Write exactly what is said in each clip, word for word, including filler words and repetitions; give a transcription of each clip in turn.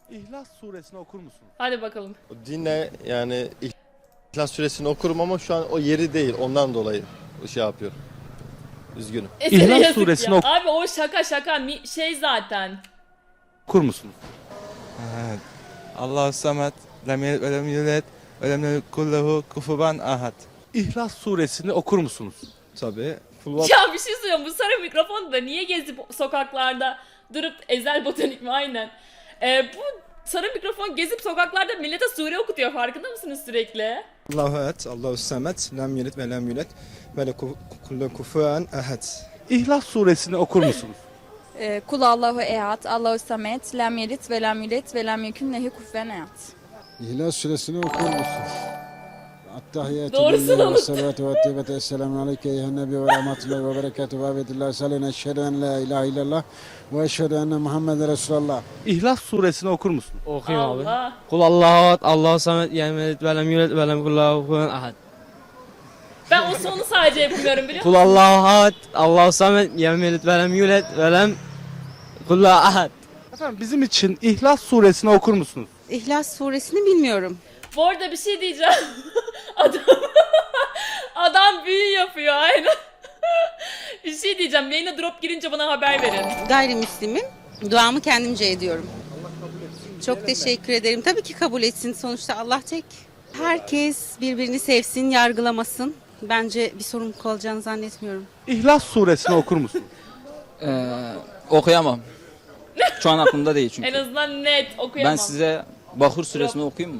İhlas suresini okur musunuz? Hadi bakalım. Dinle yani İhlas Suresini okurum ama şu an o yeri değil. Ondan dolayı şey yapıyorum. Üzgünüm. E, sana İhlas yazık suresini ya. oku- Abi o şaka şaka mi- şey zaten. Okur musunuz? Evet. Allahu samet, lem yelid ve lem yulad ve lem yekun lehu kufuven ahad. İhlas suresini okur musunuz? Tabii. Ya bir şey söylüyorum, bu sarı mikrofon da niye gezip sokaklarda durup Ezel Botanik mi aynen. Ee, bu sarı mikrofon gezip sokaklarda millete sure okutuyor, farkında mısınız sürekli? Allahu et, Allahu samet, lem yelid ve lem yulad ve lekulle kufuven ahad. İhlas suresini okur musunuz? Ee, Kul Allahu ehad, Allahu samet, lem yelid ve lem yulad ve lem yekun lehu kufuven ehad. İhlas Suresini okur musun? Attahiyatü Doğrusunu lillahi ve unuttum. salatu ve tevbete. Esselamu aleyke eyhen nebi ve rahmetullahi ve berekatuhu ve abedillah. Salina eşhedü en la ilahe illallah ve eşhedü enne Muhammeden Resulallah. İhlas suresini okur musun? Okuyayım abi. Allah. Kul Allahu ahad, Allahu samet, lem yelid ve lem yulad ve lem yekun lehu kufuven ahad. Ben o sonu sadece yapmıyorum, biliyor Kul musun? Allahu ahad, Allahu samet, lem yelid ve lem yulad ve lem yekun lehu ahad. Efendim bizim için İhlas suresini okur musunuz? İhlas suresini bilmiyorum. Bu arada bir şey diyeceğim. Adam adam büyü yapıyor aynen. Bir şey diyeceğim. Yayına drop girince bana haber verin. Gayrimüslimim. Duamı kendimce ediyorum. Çok teşekkür ederim. Tabii ki kabul etsin. Sonuçta Allah tek. Herkes birbirini sevsin, yargılamasın. Bence bir sorun olacağını zannetmiyorum. İhlas suresini okur musun? Ee, okuyamam. Şu an aklımda değil çünkü. En azından net okuyamam. Ben size Bahur suresini okuyayım mı?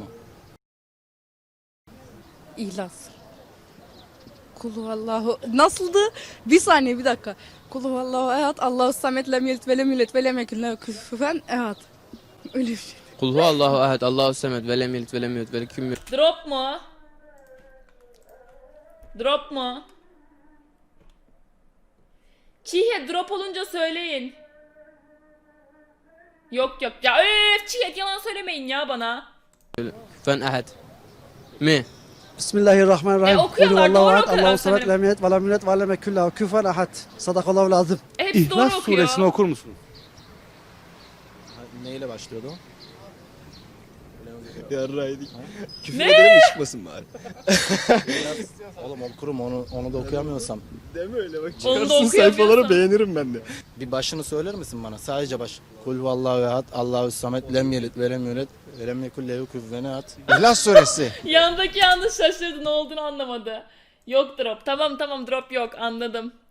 İhlas. Kulu Allahu nasıldı? Bir saniye bir dakika. Kulu Allahu ehad, Allahu samet, lem yelid ve lem yulad ve lem yekun lehu kufuven ehad. Öyle bir şey. Kul huvallahu ahad, Allahu samet, ve lem yelid ve lem yulad ve lem yekun lehu. Drop mu? Drop mu? Çiğhet drop olunca söyleyin. Yok yok ya, öf, Çiğhet yalan söylemeyin ya bana. Kufuven ahad. Mi? Bismillahirrahmanirrahim. E, okuyorlar, doğru ahad, okuyorlar Allahu samet, sanırım. lem yelid ve lem yulad ve lem yekun lehu kufuven ahad. Sadakallahu lazım. E, hepsi doğru İhlas okuyor. suresini okur musunuz? Neyle başlıyordu o? Yarraydık. Küfür Ne? edelim mi çıkmasın bari? Oğlum okurum onu, onu da okuyamıyorsam. Deme öyle bak. Onu da Çıkarsın okuyamıyorsan. sayfaları beğenirim ben de. Bir başını söyler misin bana? Sadece baş. Kul vallahu ehad, Allahu samet, lem yelid ve lem yulad ve lem yekun lehu kufuven ahad. İhlas Suresi. Yandaki yalnız şaşırdı, ne olduğunu anlamadı. Yok drop. Tamam tamam, drop yok, anladım.